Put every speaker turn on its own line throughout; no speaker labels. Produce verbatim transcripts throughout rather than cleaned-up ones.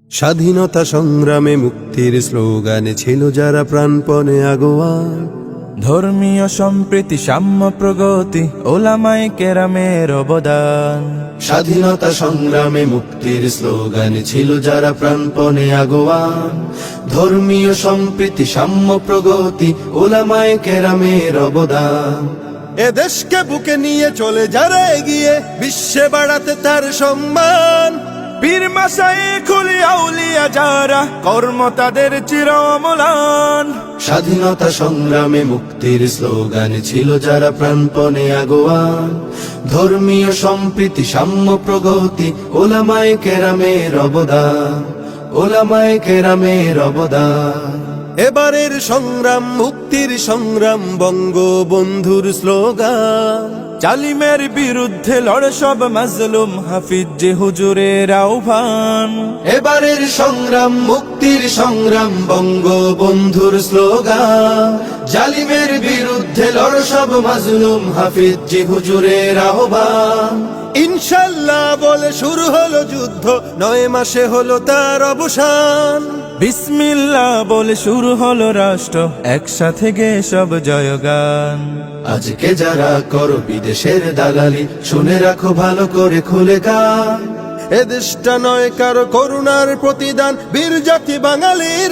স্বাধীনতা সংগ্রামে মুক্তির স্লোগানে ছিল যারা প্রাণপণে আগোয়ান।
ধর্মীয় সম্প্রীতি সাম্য প্রগতি ওলামায়ে কেরামের অবদান।
স্বাধীনতা সংগ্রামে মুক্তির স্লোগানে ছিল যারা প্রাণপণে আগোয়ান। ধর্মীয় সম্প্রীতি সাম্য প্রগতি ওলামায়ে কেরামের অবদান। এ দেশকে বুকে নিয়ে চলে যারা এগিয়ে বিশ্বে বাড়াতে তার সম্মান।
পীর মাশায়েখ আউলিয়া যারা কর্ম তাদের চির অম্লান।
স্বাধীনতা সংগ্রামে মুক্তির স্লোগানে ছিল যারা প্রাণপণে আগোয়ান। ধর্মীয় সম্প্রীতি সাম্য প্রগতি ওলামায়ে কেরামের অবদান। ওলামায়ে কেরামের অবদান। এবারের সংগ্রাম মুক্তির সংগ্রাম বঙ্গবন্ধুর স্লোগান।
জালিমের বিরুদ্ধে লড়ে সব মাজলুম হাফিজ জি হুজুরের আহ্বান।
এবারের সংগ্রাম মুক্তির সংগ্রাম বঙ্গবন্ধুর স্লোগান। জালিমের বিরুদ্ধে লড় সব মাজলুম হাফিজ জি হুজুরের আহ্বান। ইনশাল্লাহ বলে শুরু হলো যুদ্ধ, নয় মাসে হলো তার অবসান।
বিসমিল্লাহ বলে শুরু হলো রাষ্ট্র, একসাথে গে সব জয়গান।
আজকে যারা করো বিদেশের দালালি, শুনে রাখো ভালো করে খুলে কান। এ দেশটা নয় কারো করুণার প্রতিদান, বীর জাতি বাঙালির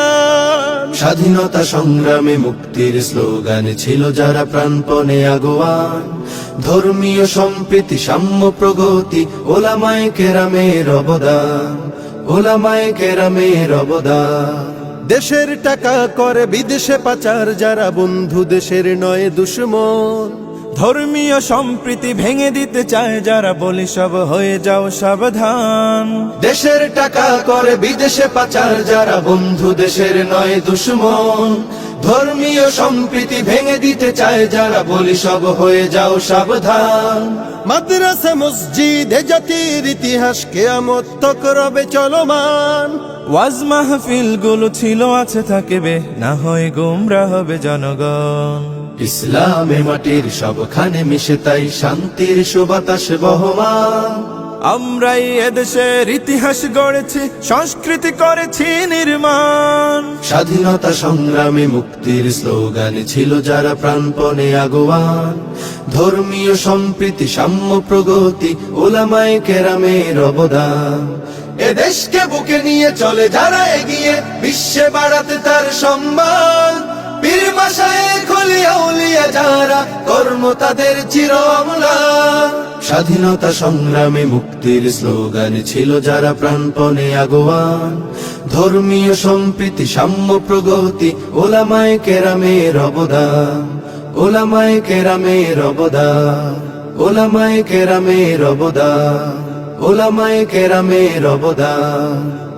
অবদান। স্বাধীনতা সংগ্রামে মুক্তির স্লোগানে ছিল যারা প্রাণপণে আগোয়ান। ধর্মীয় সম্প্রীতি সাম্য প্রগতি ওলামায়ে কেরামের অবদান। ওলামায়ে কেরামের অবদান। দেশের টাকা করে বিদেশে পাচার যারা, বন্ধু দেশের নয় দুশমন।
ধর্মীয় সম্প্রীতি ভেঙে দিতে চায় যারা, বলি সব হয়ে যাও সাবধান।
দেশের টাকা করে বিদেশে পাচার যারা, বন্ধু দেশের নয় দুশমন। ধর্মীয় সম্প্রীতি ভেঙে দিতে চায় যারা, বলি সব হয়ে যাও সাবধান। মাদ্রাসা মসজিদ এ জাতির ইতিহাস কিয়ামত তক রবে চলমান।
ওয়াজ মাহফিল গুলো ছিল আছে থাকবে, না হয় গোমরা হবে জনগণ।
ইসলামে মাটির সবখানে মিশে তাই শান্তির সুবাতাস বহমান।
আমরাই এদেশের ইতিহাস গড়েছি, সংস্কৃতি করেছি নির্মাণ।
স্বাধীনতা সংগ্রামে মুক্তির স্লোগানে ছিল যারা প্রাণপণে আগোয়ান। ধর্মীয় সম্প্রীতি সাম্য প্রগতি ওলামায়ে কেরামের অবদান। এ দেশকে বুকে নিয়ে চলে যারা এগিয়ে বিশ্বে বাড়াতে তার সম্মান। পীর মাশায়েখ আউলিয়া যারা কর্ম তাদের চির অম্লান। স্বাধীনতা সংগ্রামে মুক্তির স্লোগানে ছিল যারা প্রাণপণে আগোয়ান। ধর্মীয় সম্প্রীতি সাম্য প্রগতি ওলামায়ে কেরামের অবদান। ওলামায়ে কেরামের অবদান। ওলামায়ে কেরামের অবদান। ওলামায়ে কেরামের অবদান।